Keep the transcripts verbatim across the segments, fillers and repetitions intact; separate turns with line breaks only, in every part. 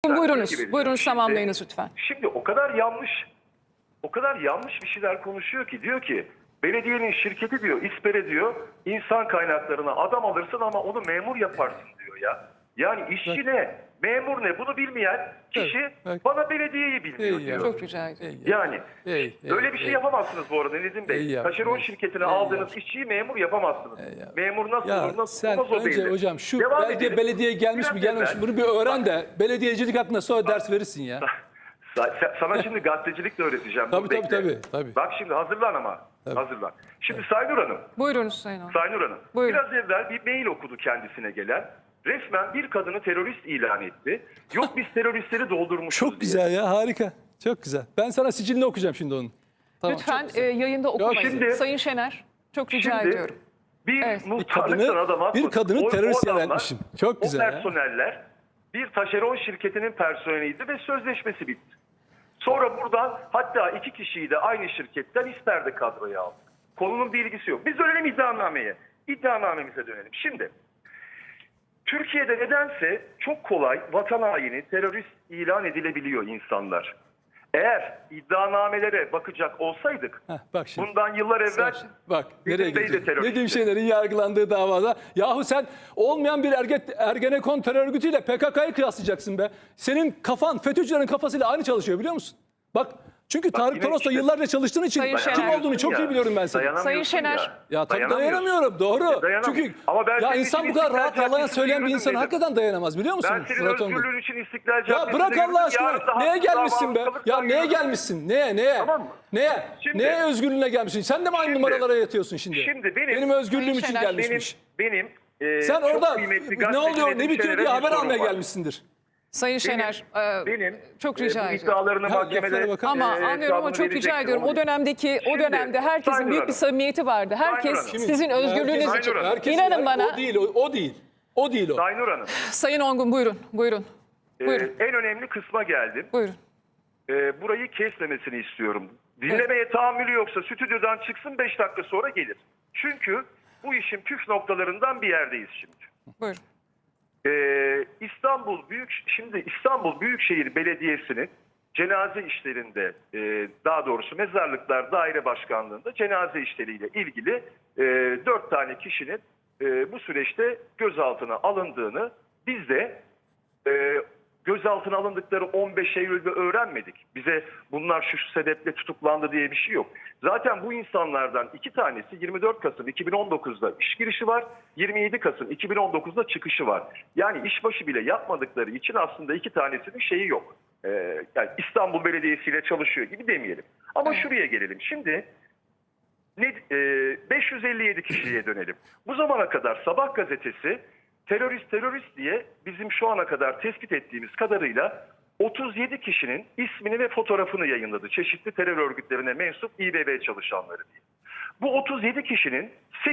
Buyurunuz, buyurunuz tamamlayınız lütfen.
Şimdi o kadar yanlış, o kadar yanlış bir şeyler konuşuyor ki diyor ki belediyenin şirketi diyor İSPER'e diyor insan kaynaklarına adam alırsın ama onu memur yaparsın diyor ya. Yani işçi ne, memur ne bunu bilmeyen kişi
Evet, evet.
bana belediyeyi bilmiyor
İyi
diyor.
ya.
Çok rica ederim.
Yani
Ey, ey,
öyle bir şey
ey.
yapamazsınız bu arada Nedim Bey.
İyi ya,
Taşeron
ey,
şirketine
ey
aldığınız
ya.
işçiyi memur yapamazsınız.
Ey ya.
Memur nasıl
Ya
olur, nasıl
sen
olmaz o
önce
belli.
hocam şu
Devam
belediye
edelim.
belediye gelmiş
Biraz
mi gelmemiş mi
evvel-
bunu bir öğren de belediyecilik hakkında sonra ders verirsin ya.
Sa- Sana şimdi gazetecilik de öğreteceğim.
Tabii,
Dur,
tabii,
bekle.
tabii, tabii.
Bak şimdi hazırlan ama. Hazırlan. Şimdi Saynur Hanım.
Buyurunuz Sayın Hanım.
Saynur Hanım.
Buyurun.
Biraz evvel bir mail okudu kendisine gelen. Resmen bir kadını terörist ilan etti. Yok biz teröristleri doldurmuşuz
Çok
diye.
güzel ya, harika. Çok güzel. Ben sana sicilini okuyacağım şimdi onun. Tamam,
Lütfen
çok güzel.
e, yayında okumayın.
şimdi-
Sayın Şener, çok rica
Şimdi
ediyorum.
bir
Evet.
muhtarlıktan
Bir kadını-
adam atmadı.
bir kadını
O- o
terörist ilan
adamlar,
etmişim. Çok güzel
O
ya.
personeller bir taşeron şirketinin personeliydi ve sözleşmesi bitti. Sonra buradan hatta iki kişiyi de aynı şirketten İSPER'de kadroya aldık. Konunun bir ilgisi yok. Biz dönelim iddianameye. İddianamemize dönelim. Şimdi Türkiye'de nedense çok kolay vatan haini, terörist ilan edilebiliyor insanlar. Eğer iddianamelere bakacak olsaydık
Heh, bak şimdi.
bundan yıllar evvel
Bak
Nedim
nereye
Bey de
gidecek?
teröristti.
Nedim Şener'in yargılandığı davada. Yahu sen olmayan bir erge, Ergenekon terör örgütüyle P K K'yı kıyaslayacaksın be. Senin kafan FETÖ'cülerin kafasıyla aynı çalışıyor biliyor musun? Bak çünkü Tarık
yine
Toros'la
işte-
yıllarca çalıştığın için
Sayın
kim
Şener.
olduğunu çok iyi biliyorum ben seni.
Dayanamıyorsun
Sayın Şener.
Ya,
Ya tabii
Dayanamıyorsun.
dayanamıyorum doğru.
E, dayanamıyorum.
Çünkü
Ama ben
ya
senin
insan
için
bu kadar
İstiklal
rahat yalan
Caddesi'nde
söyleyen bir
yürüdüm
insan
dedim.
hakikaten dayanamaz biliyor musun?
Ben senin
Murat Ongun?
özgürlüğün için İstiklal
Ya
Caddesi'nde
bırak
yürüdüm.
Allah aşkına.
Yarın da
Neye
haksız
gelmişsin be?
davacılıktan
Ya neye
yürüdüm.
gelmişsin? Neye? Neye?
Tamam mı?
Neye?
Şimdi-
neye özgürlüğüne gelmişsin? Sen de mi aynı
Şimdi-
numaralara yatıyorsun şimdi?
Şimdi benim-
benim özgürlüğüm
Sayın
için
Şener,
Benim,
gelmişmiş.
benim e,
Sen
çok
orada
kıymetli
ne
gazeteci
oluyor,
Nedim
ne bitiyor
Şener'e
diye
bir
haber
sorum
almaya
var.
gelmişsindir.
Sayın Şener, e,
Benim
çok
e,
rica
bu
ediyorum.
iddialarını
Ya,
mahkemede
laflara bakar
Ama
e,
anlıyorum ama
hesabını
çok rica
verecektim,
ediyorum.
onu
O dönemdeki, o
Şimdi,
dönemde herkesin
Sayın
büyük bir
Hanım.
samimiyeti vardı. Herkes
Hanım.
sizin özgürlüğünüz
Herkes-
için.
Hanım.
herkes-
İnanın
yani
bana.
O değil, o, o değil. O değil o.
Saynur Hanım,
Sayın Ongun buyurun, buyurun.
e,
Buyurun.
en önemli kısma geldim.
Buyurun.
E, burayı kesmemesini istiyorum. Dinlemeye tahammülü yoksa stüdyodan çıksın beş dakika sonra gelir. Çünkü bu işin püf noktalarından bir yerdeyiz şimdi.
Buyurun.
Ee, İstanbul Büyük şimdi İstanbul Büyükşehir Belediyesi'nin cenaze işlerinde e, daha doğrusu Mezarlıklar Daire Başkanlığı'nda cenaze işleriyle ilgili e, dört tane kişinin e, bu süreçte gözaltına alındığını biz de e, gözaltına alındıkları on beş Eylül'de öğrenmedik. Bize bunlar şu, şu sebeple tutuklandı diye bir şey yok. Zaten bu insanlardan iki tanesi yirmi dört Kasım iki bin on dokuz'da iş girişi var. yirmi yedi Kasım iki bin on dokuz'da çıkışı var. Yani işbaşı bile yapmadıkları için aslında iki tanesinin şeyi yok. Ee, yani İstanbul Belediyesi ile çalışıyor gibi demeyelim. Ama şuraya gelelim. Şimdi ne, e, beş yüz elli yedi kişiye dönelim. Bu zamana kadar Sabah gazetesi terörist terörist diye bizim şu ana kadar tespit ettiğimiz kadarıyla otuz yedi kişinin ismini ve fotoğrafını yayınladı. Çeşitli terör örgütlerine mensup İBB çalışanları diye. Bu otuz yedi kişinin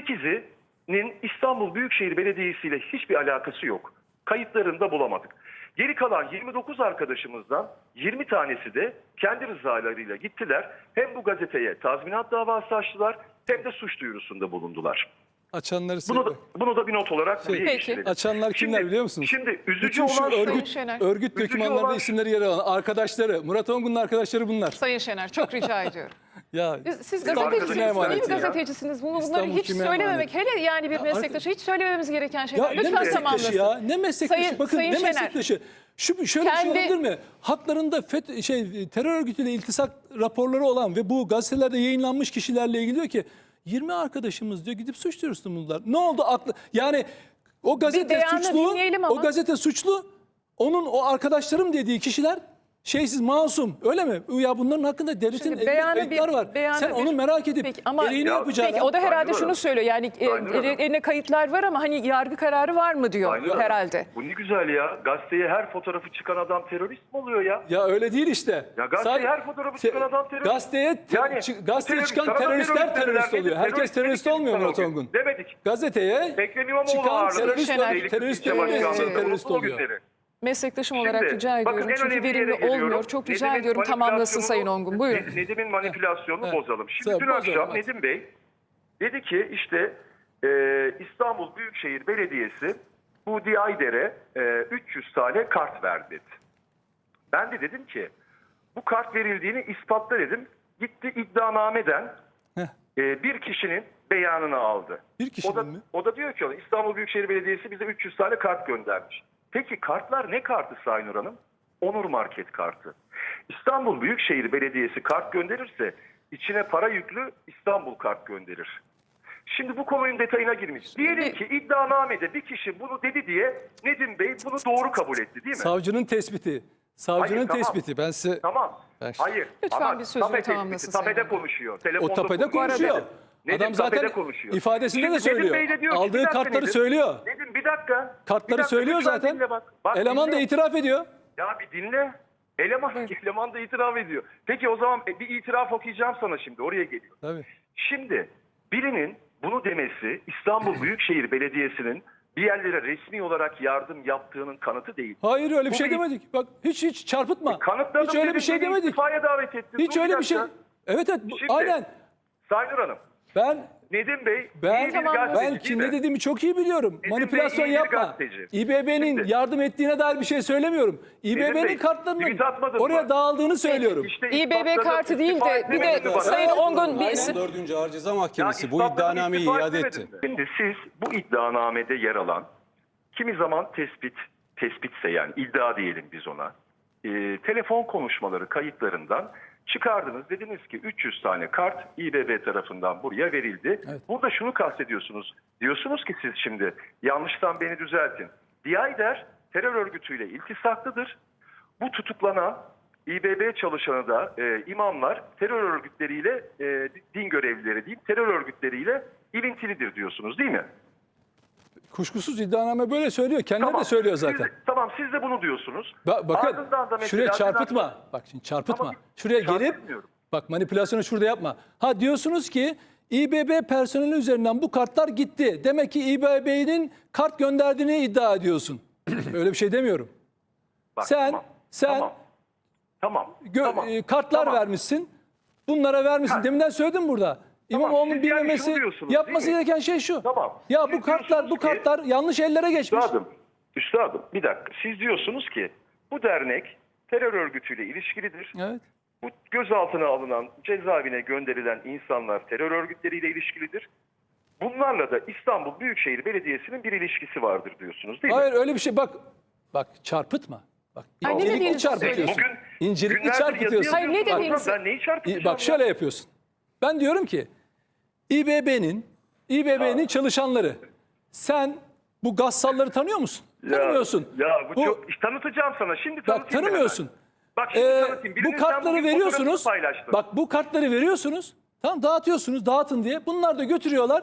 sekizinin İstanbul Büyükşehir Belediyesi ile hiçbir alakası yok. Kayıtlarını da bulamadık. Geri kalan yirmi dokuz arkadaşımızdan yirmi tanesi de kendi rızalarıyla gittiler. Hem bu gazeteye tazminat davası açtılar hem de suç duyurusunda bulundular.
Açanları
Bunu da,
söyle.
bunu da bir not olarak buraya
Peki.
geçirelim.
Açanlar kimler
Şimdi-
biliyor musunuz?
Şimdi üzücü
Bütün şu
olan
Sayın
örgüt,
Şener.
örgüt
Üzücü
dokümanlarında
olan-
isimleri yer alan arkadaşları, Murat Ongun'un arkadaşları bunlar.
Sayın Şener, çok rica ediyorum.
Ya
Siz, siz
Arkadaşına
gazetecisiniz, iyi
emanet
bir
ya.
gazetecisiniz. Bunu, bunları
İstanbul
hiç
kime
söylememek,
emanet?
hele yani bir
Ya
meslektaşı hiç söylemememiz gereken
Ya
şeyler.
ne
Lütfen
meslektaşı
tamamlasın.
ya? Ne meslektaşı?
Sayın-
Bakın
Sayın
ne
Şener.
meslektaşı? Şu şöyle
Kendi-
bir şey olabilir mi? Haklarında FET, şey terör örgütüyle iltisak raporları olan ve bu gazetelerde yayınlanmış kişilerle ilgili diyor ki yirmi arkadaşımız diyor gidip suç duyurusunda bulundular. Ne oldu aklı? Yani o gazete
beyanı
suçlu.
dinleyelim ama.
O gazete suçlu. Onun o arkadaşlarım dediği kişiler şeysiz, masum. Öyle mi? Ya bunların hakkında devletin
Şimdi
elinde
beyanı
kayıtlar
bir-
var.
beyanı
Sen
bir-
onu merak edip
Peki, ama-
gereğini
Ya,
yapacağına.
Peki o da herhalde
Sayın
şunu
Hanım.
söylüyor. Yani e,
Sayın Hanım.
eline kayıtlar var ama hani yargı kararı var mı diyor
Sayın Hanım,
herhalde.
Bu ne güzel ya. Gazeteye her fotoğrafı çıkan adam terörist mi oluyor ya?
Ya öyle değil işte.
Ya gazeteye
Sadece-
her fotoğrafı çıkan adam terörist.
Gazeteye, te-
Yani
çı- gazeteye
terörist,
çıkan
sana da
teröristler
terörist
terörist
dediler.
oluyor. Herkes
Terörist
terörist
dedik
olmuyor
sana
Murat
o gün.
Ongun.
Demedik.
Gazeteye
Ekrem İmamoğlu
çıkan
ağırladı.
terörist,
Şener.
terörist, terörist,
İlçe başkanlığında
terörist
unutma
oluyor.
günleri.
Meslektaşım
Şimdi,
olarak rica
bakın
ediyorum.
en
Çünkü
önemli
verimli
yere geliyorum.
olmuyor. Çok rica
Nedim'in
ediyorum tamamlasın
manipülasyonunu-
Sayın Ongun. Buyurun.
Ned- Nedim'in manipülasyonunu
Evet.
bozalım. Şimdi
Sen
dün
bozalım,
akşam
hadi.
Nedim Bey dedi ki işte e, İstanbul Büyükşehir Belediyesi bu Diayder'e e, üç yüz tane kart verdi dedi. Ben de dedim ki bu kart verildiğini ispatla dedim. Gitti iddianameden
Heh.
e, bir kişinin beyanını aldı.
Bir kişinin
o da,
mi?
O da diyor ki İstanbul Büyükşehir Belediyesi bize üç yüz tane kart göndermiş. Peki kartlar ne kartı Sayın Nur Hanım? Onur Market kartı. İstanbul Büyükşehir Belediyesi kart gönderirse içine para yüklü İstanbul kart gönderir. Şimdi bu konunun detayına girmiş. Diyelim ki iddianamede bir kişi bunu dedi diye Nedim Bey bunu doğru kabul etti değil mi?
Savcının tespiti. Savcının
Hayır, tamam.
tespiti. Ben size
Tamam.
Ben-
Hayır.
Lütfen
Ama
bir sözünü
tape tespiti,
tamamlasın
Tapede
Sayın Hakim.
konuşuyor. Telefonda
o tapede konuşuyor.
Nedim
Adam
tapede
zaten
konuşuyor.
ifadesinde
Şimdi
de söylüyor.
Nedim Bey de diyor ki, bir
Aldığı
dakika
kartları
Nedim.
söylüyor.
Nedim bir dakika. Bir
Kartları
dakika,
söylüyor
lütfen
zaten.
dinle bak. Bak,
Eleman da
dinle.
itiraf ediyor.
Ya bir dinle. Eleman, eleman da itiraf ediyor. Peki o zaman bir itiraf okuyacağım sana şimdi. Oraya geliyor.
Tabii.
Şimdi birinin bunu demesi İstanbul Büyükşehir Belediyesi'nin bir yerlere resmi olarak yardım yaptığının kanıtı değil.
Hayır öyle bir
Bu
şey
bir-
demedik. Bak hiç hiç çarpıtma.
Kanıtladım
Hiç öyle bir
dedim,
şey
beni
demedik.
istifaya davet ettin.
Hiç
Dur
öyle bir şey.
dakika.
Evet evet bu-
Şimdi-
aynen.
Sayın Nur Hanım,
Ben
Nedim Bey
ben
iyi bir
Tamam,
gazeteci
ben
değil
kim
mi?
ne dediğimi çok iyi biliyorum.
Bey
Manipülasyon
iyi bir
yapma.
gazeteci.
İBB'nin
Şimdi-
yardım ettiğine dair bir şey söylemiyorum.
Bey,
İBB'nin
tweet
kartlarının
atmadın
oraya
mı?
dağıldığını söylüyorum.
İşte
İBB
ispatladım,
kartı değil
istifa
de bir
etmedin
de
mi bana?
Sayın Ongun bir
Aynen,
isim.
dördüncü Ağır Ceza
Ya
Mahkemesi bu
ispatladım,
iddianameyi
istifa
iade
etmedin
etti.
mi? Şimdi siz bu iddianamede yer alan kimi zaman tespit, tespitse yani iddia diyelim biz ona. e, telefon konuşmaları kayıtlarından çıkardınız. Dediniz ki üç yüz tane kart İBB tarafından buraya verildi.
Evet.
Burada şunu kastediyorsunuz. Diyorsunuz ki siz şimdi yanlıştan beni düzeltin. Diyayder terör örgütüyle iltisaklıdır. Bu tutuklanan İBB çalışanı da e, imamlar terör örgütleriyle e, din görevlileri değil terör örgütleriyle ilintilidir diyorsunuz değil mi?
Kuşkusuz iddianame böyle söylüyor. Kendileri de söylüyor
Siz
zaten.
de- tamam siz de bunu diyorsunuz.
Ba- bakın
Ardından da mesela
şuraya çarpıtma.
Sedat-
Bak şimdi çarpıtma.
Ama
Şuraya gelip
çarpıtmıyorum.
bak manipülasyonu şurada yapma. Ha diyorsunuz ki İBB personeli üzerinden bu kartlar gitti. Demek ki İBB'nin kart gönderdiğini iddia ediyorsun. Öyle bir şey demiyorum.
Bak,
Sen
tamam,
sen
tamam, tamam,
gö-
tamam,
e, kartlar
tamam.
vermişsin. Bunlara vermişsin.
Ha.
Deminden söyledim burada. İmamoğlu'nun
siz yani
bilmemesi,
şunu diyorsunuz,
yapması
değil mi?
gereken şey şu.
Tamam.
Ya
Siz
bu kartlar bu
diyorsunuz ki-
kartlar yanlış ellere geçmiş.
Üstadım, üstadım bir dakika. Siz diyorsunuz ki bu dernek terör örgütüyle ilişkilidir.
Evet.
Bu gözaltına alınan, cezaevine gönderilen insanlar terör örgütleriyle ilişkilidir. Bunlarla da İstanbul Büyükşehir Belediyesi'nin bir ilişkisi vardır diyorsunuz değil mi?
Hayır öyle bir şey bak. Bak çarpıtma. Bak
Ay, ne
incelikli
dediğinizi
çarpıtıyorsun.
söyleyin.
Bugün
İncelikli
günlerdir
çarpıtıyorsun.
yazı
Hayır, ne
yazıyorsunuz.
dediğinizi-
Ben neyi çarpıtacağım?
İ- Bak şöyle yapıyorsun. Ben diyorum ki İBB'nin İBB'nin çalışanları sen bu gassalları tanıyor musun?
Ya,
Tanımıyorsun.
Ya bu, çok tanıtacağım sana. Şimdi
Bak
tanıtayım.
tanımıyorsun.
hemen. Bak şimdi
Ee,
tanıtayım. Birinin
bu
sen
kartları
bugün
veriyorsunuz.
fotoğrafını paylaştın.
Bak bu kartları veriyorsunuz. Tamam dağıtıyorsunuz, dağıtın diye. Bunlar da götürüyorlar.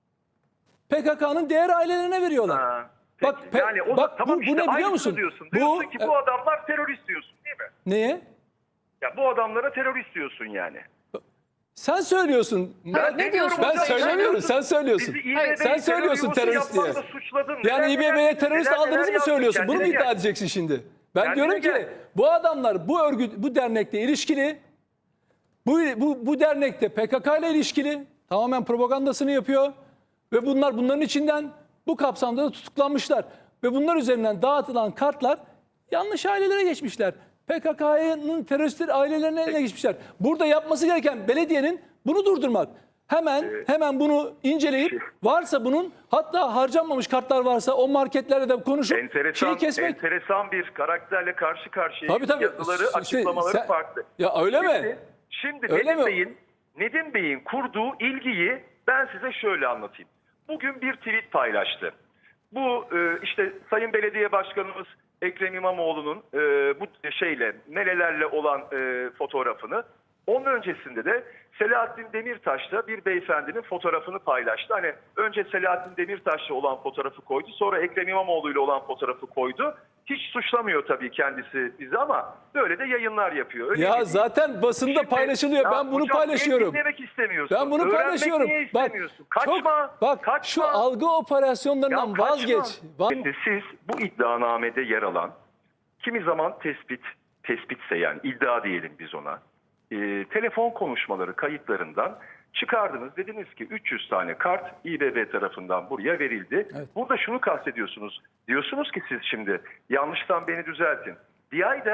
P K K'nın diğer ailelerine veriyorlar.
Ha,
Bak,
peki.
pe-
yani o
bak
da, tamam
bu- bu
işte
ne biliyor
aynısını
musun?
Diyorsun.
Bu-
diyorsun ki bu adamlar terörist diyorsun değil mi?
Neye?
Ya bu adamlara terörist diyorsun yani.
Sen söylüyorsun.
Hayır, ne diyorsun?
Ben
Hocam,
söylemiyorum. Sen söylüyorsun.
Bizi
Hayır,
İBB'yi
sen söylüyorsun
terör
terörist
yuvası
diye.
yapmakla suçladın.
Yani
Neler
İBB'ye
neler-
terörist
neler
aldığınızı
neler
mı
yaptın?
söylüyorsun? Bunu mu
Kendine
iddia
gel.
edeceksin şimdi? Ben
Kendine
diyorum ki
gel.
bu adamlar bu örgüt, bu dernekle ilişkili. Bu, bu, bu dernekte P K K ile ilişkili. Tamamen propagandasını yapıyor. Ve bunlar bunların içinden bu kapsamda da tutuklanmışlar. Ve bunlar üzerinden dağıtılan kartlar yanlış ailelere geçmişler. P K K'nın teröristler ailelerinin eline geçmişler. Burada yapması gereken belediyenin bunu durdurmak. Hemen hemen bunu inceleyip varsa bunun hatta harcanmamış kartlar varsa o marketlere de konuşup
Enteresan,
şeyi kesmek.
enteresan bir karakterle karşı karşıya.
Tabii, tabii.
Yazıları,
İşte
açıklamaları
sen-
farklı.
Ya öyle mi?
Şimdi, şimdi
Öyle
Nedim
mi?
Bey'in Nedim Bey'in kurduğu ilgiyi ben size şöyle anlatayım. Bugün bir tweet paylaştı. Bu e, işte Sayın Belediye Başkanımız Ekrem İmamoğlu'nun e, bu şeyle melelerle olan e, fotoğrafını, onun öncesinde de Selahattin Demirtaş'la bir beyefendinin fotoğrafını paylaştı. Hani önce Selahattin Demirtaş'la olan fotoğrafı koydu, sonra Ekrem İmamoğlu ile olan fotoğrafı koydu. Hiç suçlamıyor tabii kendisi bizi ama böyle de yayınlar yapıyor. Öyle
Ya
değil.
zaten basında
Şimdi-
paylaşılıyor.
Ya
Ben bunu
hocam,
paylaşıyorum.
niye dinlemek istemiyorsun?
Ben bunu
Öğrenmek
paylaşıyorum.
niye
Bak,
istemiyorsun? Kaçma.
çok, bak
kaçma.
şu algı operasyonlarından
Ya kaçma.
vazgeç. Va-
Şimdi siz bu iddianamede yer alan kimi zaman tespit, tespitse yani iddia diyelim biz ona. e, telefon konuşmaları kayıtlarından çıkardınız. Dediniz ki üç yüz tane kart İBB tarafından buraya verildi.
Evet.
Burada şunu kastediyorsunuz. Diyorsunuz ki siz şimdi yanlıştan beni düzeltin. Diyayder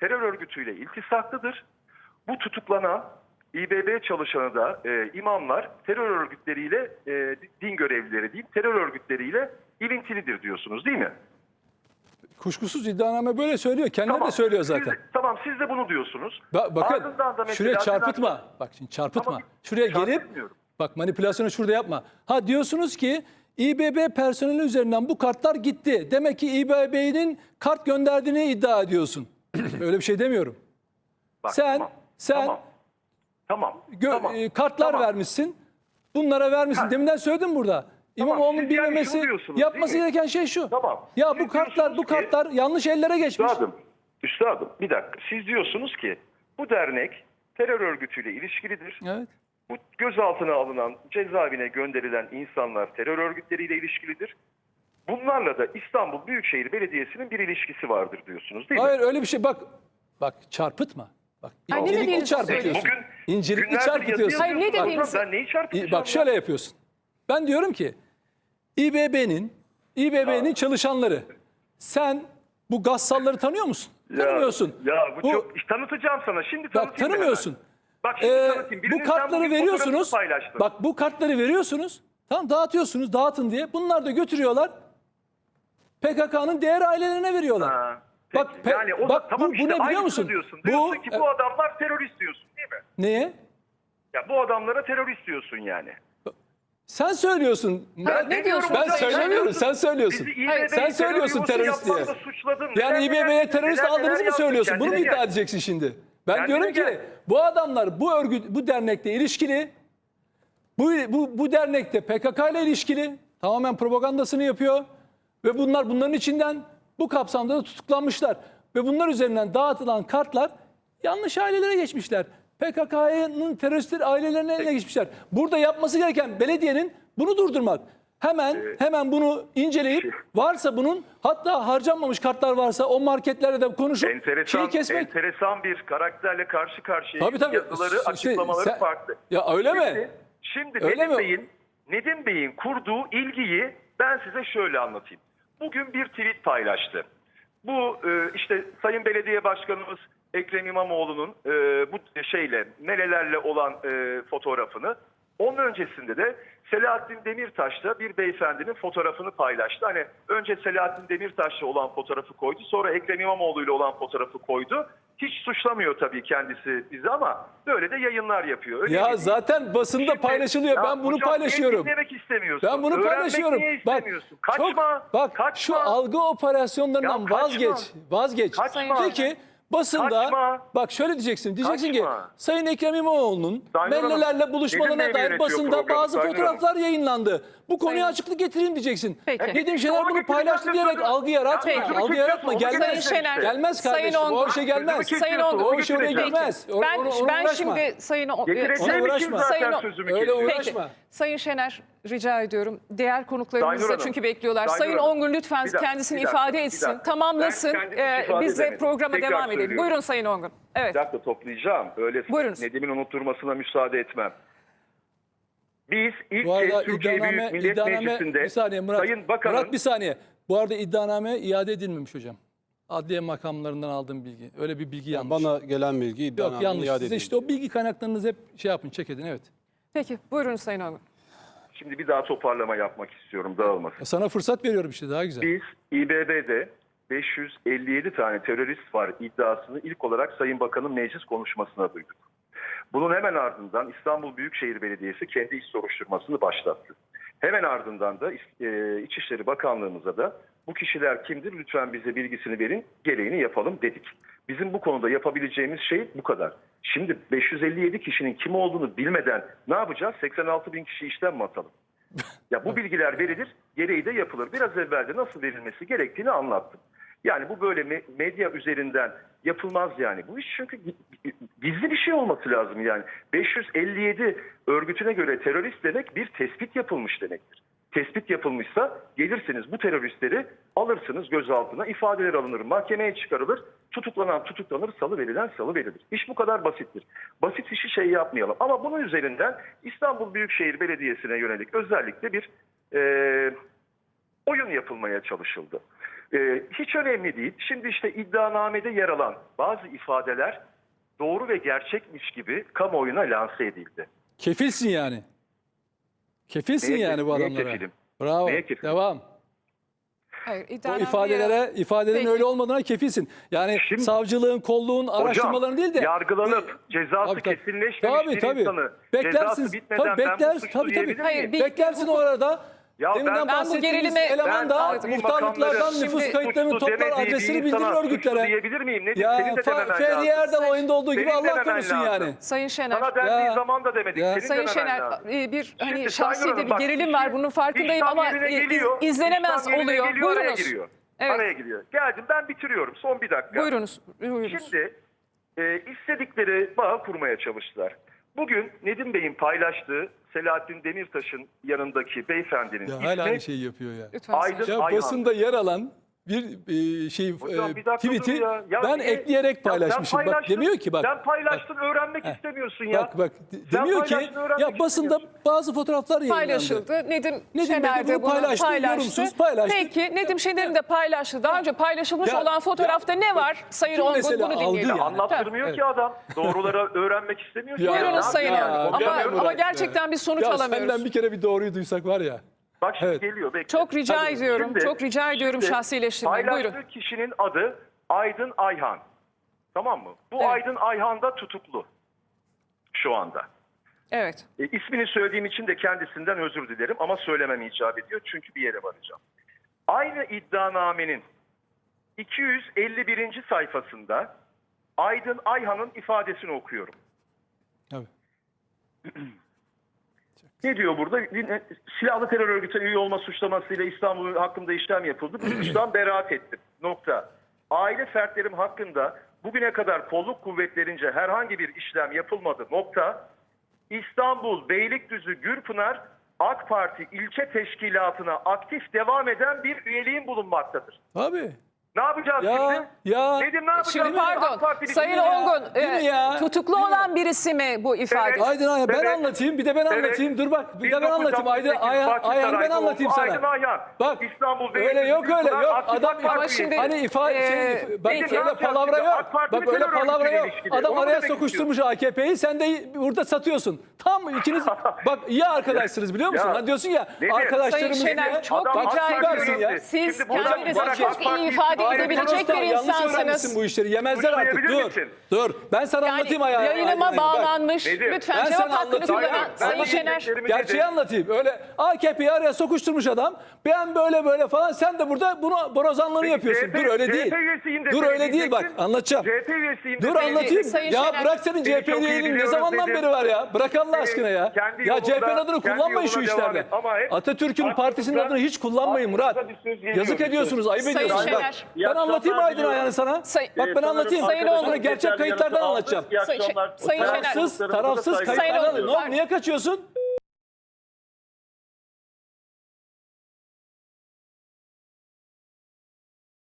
terör örgütüyle iltisaklıdır. Bu tutuklanan İ B B çalışanı da e, imamlar terör örgütleriyle, e, din görevlileri değil, terör örgütleriyle ilintilidir diyorsunuz değil mi?
Kuşkusuz iddianame böyle söylüyor. Kendileri de söylüyor zaten.
Siz, tamam siz de bunu diyorsunuz.
Ba- bakın
Ardından da mesela
şuraya çarpıtma.
Sinan-
Bak şimdi çarpıtma.
Ama
Şuraya gelip
çarpıtmıyorum.
bak manipülasyonu şurada yapma. Ha diyorsunuz ki İ B B personeli üzerinden bu kartlar gitti. Demek ki İ B B'nin kart gönderdiğini iddia ediyorsun. Öyle bir şey demiyorum.
Bak,
sen
tamam,
sen
tamam, tamam,
gö-
tamam,
e, kartlar
tamam.
vermişsin. Bunlara vermişsin.
Ha.
Deminden söyledim burada. İmamoğlu'nun
siz yani
bilmemesi,
şunu diyorsunuz,
yapması
değil mi?
gereken şey şu.
Tamam.
Ya
Siz
bu kartlar bu
diyorsunuz ki-
kartlar yanlış ellere geçmiş.
Üstadım, üstadım bir dakika. Siz diyorsunuz ki bu dernek terör örgütüyle ilişkilidir.
Evet.
Bu gözaltına alınan, cezaevine gönderilen insanlar terör örgütleriyle ilişkilidir. Bunlarla da İstanbul Büyükşehir Belediyesi'nin bir ilişkisi vardır diyorsunuz değil mi?
Hayır öyle bir şey bak. Bak çarpıtma. Bak
Ay, ne
incelikli
dediğinizi
çarpıtıyorsun.
Bugün
İncelikli
günlerdir
çarpıtıyorsun.
yazı
Hayır, ne
yazıyorsunuz.
dediğinizi-
Ben neyi çarpıtacağım?
Bak şöyle yapıyorsun. Ben diyorum ki İ B B'nin İ B B'nin çalışanları. Sen bu gassalları tanıyor musun?
Ya,
Tanımıyorsun.
Ya bu, çok İşte tanıtacağım sana. Şimdi tanıtayım.
Bak
ben
tanımıyorsun.
hemen. Bak şimdi
Ee,
tanıtayım.
bu
Birinin sen
kartları
bugün
veriyorsunuz.
fotoğrafını paylaştın.
Bak bu kartları veriyorsunuz. Tamam dağıtıyorsunuz, dağıtın diye. Bunlar da götürüyorlar. P K K'nın diğer ailelerine veriyorlar.
Ha, peki.
Bak, pe-
yani o da,
bak
tamam
bu,
işte
bu ne biliyor
aynısını
musun?
Diyorsun.
Bu
diyorsun ki bu adamlar terörist diyorsun değil mi?
neye?
Ya bu adamlara terörist diyorsun yani.
Sen söylüyorsun.
Hayır, ne diyorsun?
Ben
hocam,
söylemiyorum, sen söylüyorsun.
Bizi İ B B'yi
Hayır,
sen söylüyorsun
terör
terörist
yuvası
diye.
yapmakla suçladın.
Yani
Neler
İ B B'ye
neler-
terörist
neler
aldığınızı
neler
mı
yaptın?
söylüyorsun? Bunu mu
Kendine
iddia
gel.
edeceksin şimdi? Ben
Kendine
diyorum ki
gel.
bu adamlar bu örgüt, bu dernekle ilişkili. Bu, bu, bu dernekte P K K ile ilişkili. Tamamen propagandasını yapıyor. Ve bunlar bunların içinden bu kapsamda da tutuklanmışlar. Ve bunlar üzerinden dağıtılan kartlar yanlış ailelere geçmişler. P K K'nın teröristler ailelerine eline geçmişler. Burada yapması gereken belediyenin bunu durdurmak. Hemen hemen bunu inceleyip varsa bunun hatta harcanmamış kartlar varsa o marketlerle de konuşup
Enteresan,
şeyi kesmek.
enteresan bir karakterle karşı karşıya
Tabii, tabii.
yazıları,
İşte
açıklamaları
sen-
farklı.
Ya öyle mi?
Şimdi, şimdi
Öyle
Nedim
mi?
Bey'in Nedim Bey'in kurduğu ilgiyi ben size şöyle anlatayım. Bugün bir tweet paylaştı. Bu e, işte Sayın Belediye Başkanımız Ekrem İmamoğlu'nun e, bu şeyle, melelerle olan e, fotoğrafını, onun öncesinde de Selahattin Demirtaş'la bir beyefendinin fotoğrafını paylaştı. Hani önce Selahattin Demirtaş'la olan fotoğrafı koydu, sonra Ekrem İmamoğlu ile olan fotoğrafı koydu. Hiç suçlamıyor tabii kendisi bizi ama böyle de yayınlar yapıyor. Öyle
Ya
değil.
zaten basında
Şimdi-
paylaşılıyor.
Ya
Ben bunu
hocam,
paylaşıyorum.
niye dinlemek istemiyorsun?
Ben bunu
Öğrenmek
paylaşıyorum.
niye
Bak,
istemiyorsun? Kaçma.
çok, bak
kaçma.
şu algı operasyonlarından
Ya kaçma.
vazgeç. Vazgeç.
Kaçma.
Peki basında
Kaçma.
bak şöyle diyeceksin. Diyeceksin
Kaçma.
ki Sayın Ekrem İmamoğlu'nun
Sayın Hanım,
mellelerle
Nedim
buluşmalarına
Bey mi
dair
yönetiyor
basında
programı?
bazı
Sayın
fotoğraflar yayınlandı. Bu konuya
Sayın-
açıklık getireyim diyeceksin.
Peki.
Nedim
İşte
Şener
onu
bunu
getireceğim
paylaştı
de
diyerek
sözü-
algı yaratma.
Ya sözümü
Algı yaratma.
kesiyorsun, onu
Gelmez.
Sayın Şener,
Gelmez
Sayın
kardeşim. O
Ongun.
işe gelmez.
Sözümü
Sayın
kesiyorsun,
Ongun.
O iş oraya
getireceğim.
gelmez. O-
Ben,
onu- onu
ben
uğraşma.
şimdi Sayın O-
Getireceğim
Ona
için
uğraşma.
zaten
Sayın O-
sözümü
Öyle
kesiyorum.
Peki.
uğraşma.
Sayın Şener rica ediyorum. Diğer konuklarımız
Sayın
da
Hanım,
çünkü bekliyorlar.
Sayın
Sayın
Hanım,
Ongun lütfen
bir dakika,
kendisini
bir dakika,
ifade
bir
etsin,
dakika.
tamamlasın.
Ben kendimi
Ee,
ifade
biz de
edemedim.
programa
Tekrar
devam edelim.
söylüyorum.
Buyurun Sayın Ongun. Evet.
Bir dakika toplayacağım. Öyle
Buyurunuz.
Nedim'in unutturmasına müsaade etmem. Biz ilk
Bu arada
kez Türkiye
iddianame,
Büyük Millet
iddianame
Meclisi'nde
bir saniye Murat.
Sayın Bakan'ın
Murat bir saniye. Bu arada iddianame iade edilmemiş hocam. Adliye makamlarından aldığım bilgi. Öyle bir bilgi yanlış.
Bana gelen bilgi
Yok
iddianamenin
yanlış.
iade
Size
edildi.
işte o bilgi kaynaklarınızı hep şey yapın, çek edin evet.
Peki buyurun Sayın Ongun.
şimdi bir daha toparlama yapmak istiyorum dağılmasın.
Sana fırsat veriyorum işte daha güzel.
Biz İ B B'de beş yüz elli yedi tane terörist var iddiasını ilk olarak Sayın Bakan'ın meclis konuşmasına duyduk. Bunun hemen ardından İstanbul Büyükşehir Belediyesi kendi iş soruşturmasını başlattı. Hemen ardından da e, İçişleri Bakanlığımıza da bu kişiler kimdir lütfen bize bilgisini verin gereğini yapalım dedik. Bizim bu konuda yapabileceğimiz şey bu kadar. Şimdi beş yüz elli yedi kişinin kim olduğunu bilmeden ne yapacağız? seksen altı bin kişi işten mi atalım? Ya bu bilgiler verilir, gereği de yapılır. Biraz evvel de nasıl verilmesi gerektiğini anlattım. Yani bu böyle me- medya üzerinden yapılmaz yani. Bu iş çünkü gizli bir şey olması lazım yani. beş yüz elli yedi örgütüne göre terörist demek bir tespit yapılmış demektir. Tespit yapılmışsa gelirsiniz bu teröristleri alırsınız gözaltına, ifadeler alınır, mahkemeye çıkarılır, tutuklanan tutuklanır, salı verilen salı verilir. İş bu kadar basittir. Basit işi şey yapmayalım. Ama bunun üzerinden İstanbul Büyükşehir Belediyesi'ne yönelik özellikle bir e, oyun yapılmaya çalışıldı. Ee, hiç önemli değil. Şimdi işte iddianamede yer alan bazı ifadeler doğru ve gerçekmiş gibi kamuoyuna lanse edildi.
Kefilsin yani. Kefilsin
Neye
yani
kef-
bu
neye
adamlara.
kefilim?
Bravo.
Neye kefilim?
Devam.
Hayır,
Bu
iddianameye-
ifadelere, ifadelerin
Peki.
öyle olmadığına kefilsin. Yani
Şimdi-
savcılığın, kolluğun araştırmalarını değil de
yargılanıp cezası
Tabii, tabii.
kesinleşmemiş
Tabii,
bir
tabii.
insanı
Beklersin.
cezası bitmeden
Tabii,
ben bu
beklersin.
suçlu
Tabii, tabii.
diyebilir
Hayır,
miyim?
bir-
Beklersin
hukuk-
orada.
Ya
Deminden
ben-
Ben bu
bahsettiğimiz
gerilime-
eleman
Ben
da
adli
muhtarlıklardan,
makamları
nüfus
Şimdi-
kayıtlarını
suçlu
toplar,
demediği bir
adresini
insana
bildirir
suçlu
örgütlere.
diyebilir miyim? Ne
Ya
senin de
Fa-
dememen
Ferdi
lazım.
Erdal oyunda olduğu gibi
Senin
Allah
dememen
korusun
lazım.
yani.
Sayın Şener.
Sana dendiği
Ya.
zaman da demedik.
Ya.
Senin
Sayın
dememen
Şener,
lazım.
e, bir hani
Şimdi
şahsi
Sayın
de
Hanım,
bir
bak,
gerilim var. Bunun farkındayım
işlem
ama
yerine
e,
geliyor,
iz- izlenemez
işlem yerine
oluyor.
geliyor, araya
Buyurunuz.
giriyor.
Evet.
Araya giriyor. Geldim, ben bitiriyorum. Son bir dakika.
Buyurunuz. Buyurunuz.
Şimdi e, istedikleri bağ kurmaya çalıştılar. Bugün Nedim Bey'in paylaştığı Selahattin Demirtaş'ın yanındaki beyefendinin
Ya
ismi
hala aynı şeyi yapıyor ya.
Lütfen Sayın
Aydın
Şener.
Ya
Ayhan.
basında yer alan bir e, şey
Hocam
e,
bir dakika dur
tweet'i
ya. Ya
ben
niye-
ekleyerek
Ya sen
paylaşmışım. Bak
paylaştın,
demiyor ki bak.
Sen paylaştın, öğrenmek
Heh.
istemiyorsun ya.
Bak bak de-
Sen
demiyor ki
paylaştın, öğrenmek
ya basında
istemiyorsun.
bazı fotoğraflar yayınlandı.
Paylaşıldı. Nedim,
Nedim
Şener
Bey de
de
bunu
bunu
paylaştı,
paylaştı.
yorumsuz paylaştı.
Peki Nedim Şener'in de paylaştı. Daha önce paylaşılmış
Ya-
olan fotoğrafta
ya-
ne var? Sayın
Bütün
Ongun
mesele
bunu
algı
dinleyelim.
yani.
Anlattırmıyor
Evet.
ki adam. Doğruları öğrenmek istemiyor. ki.
Ya-
Ne
Buyurunuz
yapayım
Sayın
yani?
Ongun. Ama,
Konuşamıyorum.
ama gerçekten bir sonuç
ya
alamıyoruz.
senden bir kere bir doğruyu duysak var ya.
Bak şimdi
Evet.
geliyor. Bekle.
Çok rica
Hadi.
ediyorum.
Şimdi-
çok rica ediyorum
şimdi
şahsileştirmeyin.
Paylaştığı
Buyurun.
kişinin adı Aydın Ayhan. Tamam mı? Bu
Evet.
Aydın Ayhan da tutuklu şu anda.
Evet.
E, ismini söylediğim için de kendisinden özür dilerim ama söylemem icap ediyor çünkü bir yere varacağım. Aynı iddianamenin iki yüz elli birinci sayfasında Aydın Ayhan'ın ifadesini okuyorum.
Tabii.
Ne diyor burada? Silahlı terör örgütü üye olma suçlamasıyla İstanbul hakkında işlem yapıldı. Bu suçtan beraat ettim. Nokta. Aile fertlerim hakkında bugüne kadar kolluk kuvvetlerince herhangi bir işlem yapılmadı. Nokta. İstanbul, Beylikdüzü, Gürpınar AK Parti ilçe teşkilatına aktif devam eden bir üyeliğin bulunmaktadır.
Abi.
Ne yapacağız
Ya
şimdi?
ya.
Nedim ne yapacağız?
Şimdi
AK
pardon.
Partili
Sayın
değil mi ya?
Ongun,
Değil mi
e,
ya?
tutuklu
Değil mi?
olan birisi mi bu ifade?
Evet.
Aydın Ayhan ben
Evet.
anlatayım bir de ben
Evet.
anlatayım. Dur bak bir
bin
de ben
dokuz yüz
anlatayım.
altmış
Aydın
sekiz
Ayhan, Ayhan'ı ben
Bahçesaray'da
anlatayım
oldu.
sana.
Aydın Ayhan.
Bak
İstanbul
öyle
Beylikdüzü,
yok öyle
Gürpınar,
yok.
aktif
Adam
AK Parti
Ama şimdi-
hani ifade
Ee,
şey, bak
peki.
öyle
Ne yapacağız
palavra
şimdi?
yok.
AK Parti
Bak
terör
öyle palavra
örgütüyle
yok.
ilişkili.
Adam
Onu
araya
demek
sokuşturmuş A K P'yi sen de burada satıyorsun. Tam ikiniz bak iyi arkadaşsınız biliyor musun?
Ya,
Hani diyorsun ya
Nedim,
arkadaşlarımız
Sayın Şener, çok
Adam
rica
AK Parti
ediyorum.
üyesi.
Siz
Şimdi burada
kendinizi
Barak
çok
AK Parti
iyi ifade
Aynen.
edebilecek bir
yanlış
insansınız.
öğrenmişsin bu işleri. Yemezler artık.
Suçlayabilir
Dur.
misin?
Dur. Ben sana
Yani
anlatayım Ayhan.
yayınıma
Ayhan, bak.
bağlanmış.
Nedim,
Lütfen
ben
cevap
sana
hakkını
anlatayım.
kullanan
Ben
Sayın Şener.
diyeceklerimi
Gerçeği
dedim.
anlatayım. Öyle A K P'yi araya sokuşturmuş adam. Ben böyle böyle falan. Sen de burada bunu borazanlığını
Peki,
yapıyorsun.
C H P
Dur öyle
C H P
değil.
üyesiyim de
Dur öyle değil bak
söyleyeceksin.
anlatacağım.
C H P üyesiyim de
Dur
söyleyeceksin.
anlatayım.
Sayın
Ya
Şener,
bırak senin
seni
C H P
çok iyi
üyeliğini ne
biliyoruz
zamandan
dedim.
beri var ya? Bırak Allah
Senin
aşkına ya.
kendi
Ya C H P'nin
yolunda-
adını
kendi
kullanmayın şu
yoluna devam
işlerde.
et. Ama hep
Atatürk'ün
aklınıza-
partisinin adını hiç kullanmayın Murat.
aklınıza bir söz geliyor,
Yazık
bir söz.
ediyorsunuz. Ayıp
Sayın
ediyorsunuz. Bak,
Şener.
İyi
ben anlatayım
akşamlar
Aydın
diliyorum.
Ayhan'ı sana.
Say-
Bak ben anlatayım.
Sayın
Sana
Oğlum.
gerçek kayıtlardan anlatacağım.
İyi
Sayın-
akşamlar.
Sayın Şener.
Tarafsız,
Tarafsız
tarafsız
Sayın
kayıtlardan
Oğlum,
anlatacağım. Ne oldu?
var.
Niye kaçıyorsun?